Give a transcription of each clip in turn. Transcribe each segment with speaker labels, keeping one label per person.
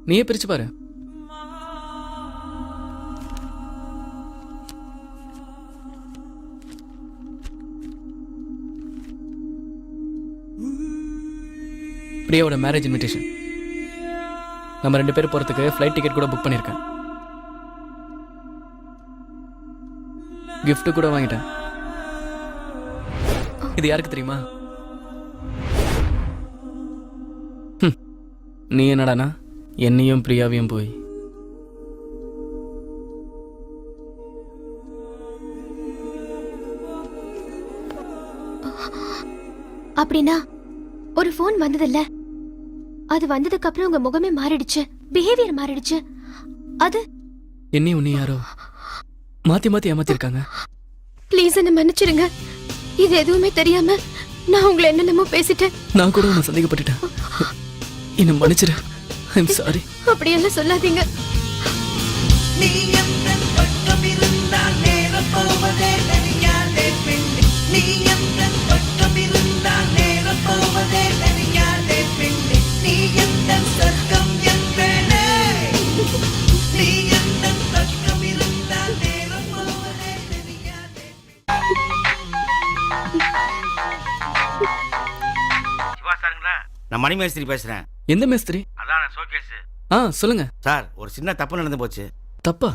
Speaker 1: நீயே பிரிச்சு பாரு. பிரியாவோட மேரேஜ் இன்விடேஷன். நம்ம 2 பேரும் போறதுக்கு ஃப்ளைட் டிக்கெட் கூட புக் பண்ணியிருக்கேன். கிஃப்ட் கூட வாங்கிட்டேன். இது யாருக்கு தெரியுமா? நீ என்னடானா என்னையும் பிரியாவையும் போய்
Speaker 2: அப்படின்னா ஒரு போன் வந்ததில்ல, அது வந்ததுக்கு அப்புறம் உங்க முகமே மாறிடுச்சு, பிஹேவியர் மாறிடுச்சு. அது
Speaker 1: என்னையும் உன்னை யாரோ மாத்தி மாத்தி ஏமாத்திருக்காங்க.
Speaker 2: ப்ளீஸ் என்ன மன்னிச்சிருங்க. இது எதுவுமே தெரியாம நான் உங்களை என்னென்னமோ பேசிட்டேன்.
Speaker 1: நான் கூட உன்னை சந்தேகப்பட்டுட்டேன். என்ன மன்னிச்சிரு. I'm sorry.
Speaker 2: அப்படியெல்லாம் சொல்லாதீங்க.
Speaker 3: நான் மணி மேஸ்திரி பேசுறேன்.
Speaker 1: எந்த மேஸ்திரி?
Speaker 3: அதான் ஷோகேஸ்.
Speaker 1: சொல்லுங்க
Speaker 3: சார், ஒரு சின்ன தப்பு நடந்து போச்சு.
Speaker 1: தப்பா?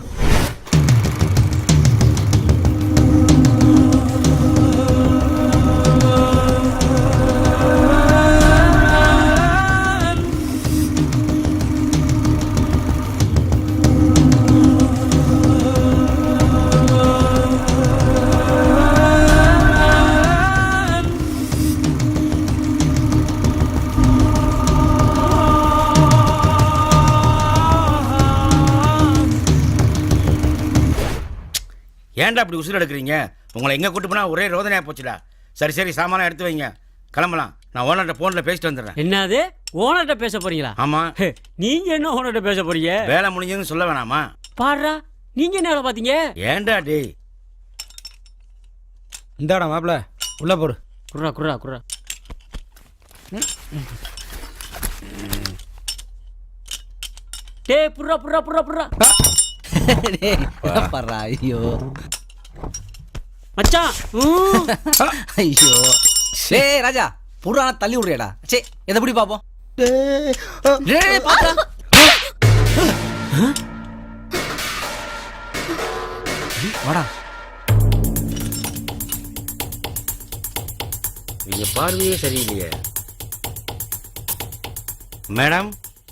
Speaker 3: ஏன்டா அப்படி உசுறு எடுக்கிறீங்க? உங்களை எங்கே கூட்டு போனால் ஒரே ரோதனையாக போச்சுடா. சரி சரி, சாமானம் எடுத்து வைங்க, கிளம்பலாம். நான் ஓனர்கிட்ட ஃபோனில் பேசிட்டு வந்துடுறேன்.
Speaker 4: என்னது, ஓனர்கிட்ட பேச போறீங்களா?
Speaker 3: ஆமாம்.
Speaker 4: நீங்க என்ன ஓனர்கிட்ட பேச போறீங்க?
Speaker 3: வேலை முடிஞ்சதுன்னு சொல்ல வேணாமா?
Speaker 4: பாடுறா, நீங்க என்ன வேலை பார்த்தீங்க?
Speaker 3: ஏன்டா டேய்?
Speaker 5: இந்தாடா மாப்பிள்ள, உள்ள போடு.
Speaker 4: குர்ரா குர்ரா குர்ரா. டேய் புர்ரா புர்ரா புர்ரா புர்ரா.
Speaker 5: பர்றா, ஐயோ
Speaker 4: மச்சான்.
Speaker 5: ஐயோ. டேய் ராஜா, புறான தள்ளி விடுறியாடா. சே, எதை எப்படி பாப்போம்? டேய் பாத்தா. வாடா.
Speaker 3: நீங்க பார்வையே சரியில்லையே. மேடம்,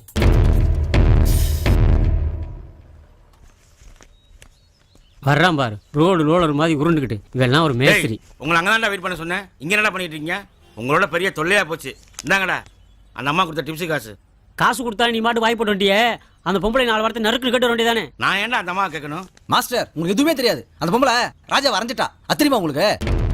Speaker 4: வர்றான் பாரு, ரோடு ரோலர் மாதிரி உருண்டுக்கிட்டு. இவெல்லாம் ஒரு மேஸ்திரி.
Speaker 3: உங்களை அங்கே தான்டா வெயிட் பண்ண சொன்னேன். இங்கே என்னடா பண்ணிட்டு இருக்கீங்க? உங்களோட பெரிய தொல்லையாக போச்சு. இந்தாங்கடா அந்த அம்மா கொடுத்த டிப்ஸு காசு.
Speaker 4: காசு கொடுத்தா நீ மாட்டு வாய் போட்டு வண்டியே. அந்த பொம்பளை 4 வாரத்தை நறுக்குன்னு கட்ட வேண்டியதானே.
Speaker 3: நான் ஏன்டா அந்த அம்மா கேட்கணும்?
Speaker 5: மாஸ்டர், உங்களுக்கு எதுவுமே தெரியாது. அந்த பொம்பளை ராஜா வரைஞ்சிட்டா. அத்திரிமா உங்களுக்கு?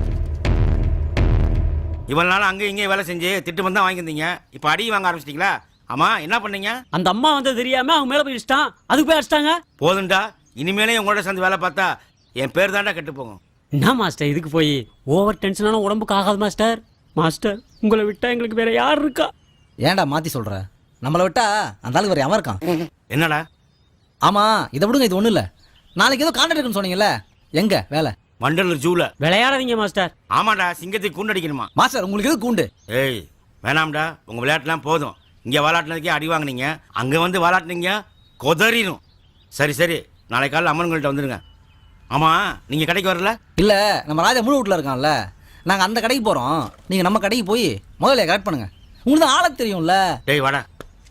Speaker 3: இவ்வளவு நாள் அங்கே இங்கே வேலை செஞ்சு திட்டு வந்தா வாங்கியிருந்தீங்க. இப்போ அடி வாங்க ஆரம்பிச்சிட்டீங்களா? ஆமா, என்ன பண்ணீங்க?
Speaker 4: அந்த அம்மா வந்தது தெரியாம அவங்க மேல போய் இஷ்டம், அதுக்கு போய் அடிச்சிட்டாங்க.
Speaker 3: போதுண்டா, இனிமேலே உங்களோட சேர்ந்து வேலை பார்த்தா என் பேர் தாண்டா கெட்டு போகும்.
Speaker 4: என்ன மாஸ்டர், இதுக்கு போய் ஓவர் டென்ஷனான உடம்புக்கு ஆகாது மாஸ்டர். மாஸ்டர், உங்களை விட்டா எங்களுக்கு வேற யார் இருக்கா?
Speaker 5: ஏன்டா மாத்தி சொல்ற? நம்மளை விட்டா அந்த ஆளுக்கு வேற எவன் இருக்கான்?
Speaker 3: என்னடா?
Speaker 5: ஆமா, இதை விடுங்க, இது ஒண்ணு இல்ல. நாளைக்கு ஏதோ கான்ட்ராக்ட் இருக்குன்னு சொன்னீங்கல்ல, எங்க வேலை?
Speaker 3: வண்டலூர் ஜூல.
Speaker 4: விளையாடாதீங்க மாஸ்டர்.
Speaker 3: ஆமாடா, சிங்கத்துக்கு கூண்டு அடிக்கணுமா?
Speaker 5: மாஸ்டர், உங்களுக்கு எது கூண்டு?
Speaker 3: ஏய் வேணாம்டா, உங்க விளையாட்டுலாம் போதும். இங்க விளையாட்டுனதுக்கே அடி வாங்கினீங்க, அங்க வந்து விளையாட்டுனீங்க கொதறிடும். சரி சரி, நாளைக்கு காலையில் அம்மன்கள்கிட்ட வந்துடுங்க. ஆமா, நீங்க கடைக்கு வரல?
Speaker 5: இல்ல, நம்ம ராஜா முழு வீட்டுல இருக்கான்ல, நாங்க அந்த கடைக்கு போறோம். நீங்க நம்ம கடைக்கு போய் முதல்ல கரெக்ட் பண்ணுங்க. உங்களுக்கு தான் ஆள தெரியும்ல.
Speaker 3: டேய் வாடா.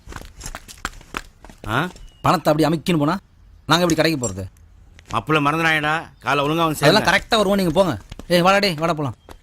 Speaker 5: பணத்தை அப்படி அமைக்கின்னு போனா நாங்க எப்படி கடைக்கு போறது?
Speaker 3: அப்பள மறந்துடாயடா, காலை ஒழுங்கா வந்து
Speaker 5: அதெல்லாம் கரெக்டா வருவோம். நீங்க போங்க. ஏய் வாடா, டேய் வாடா போலாம்.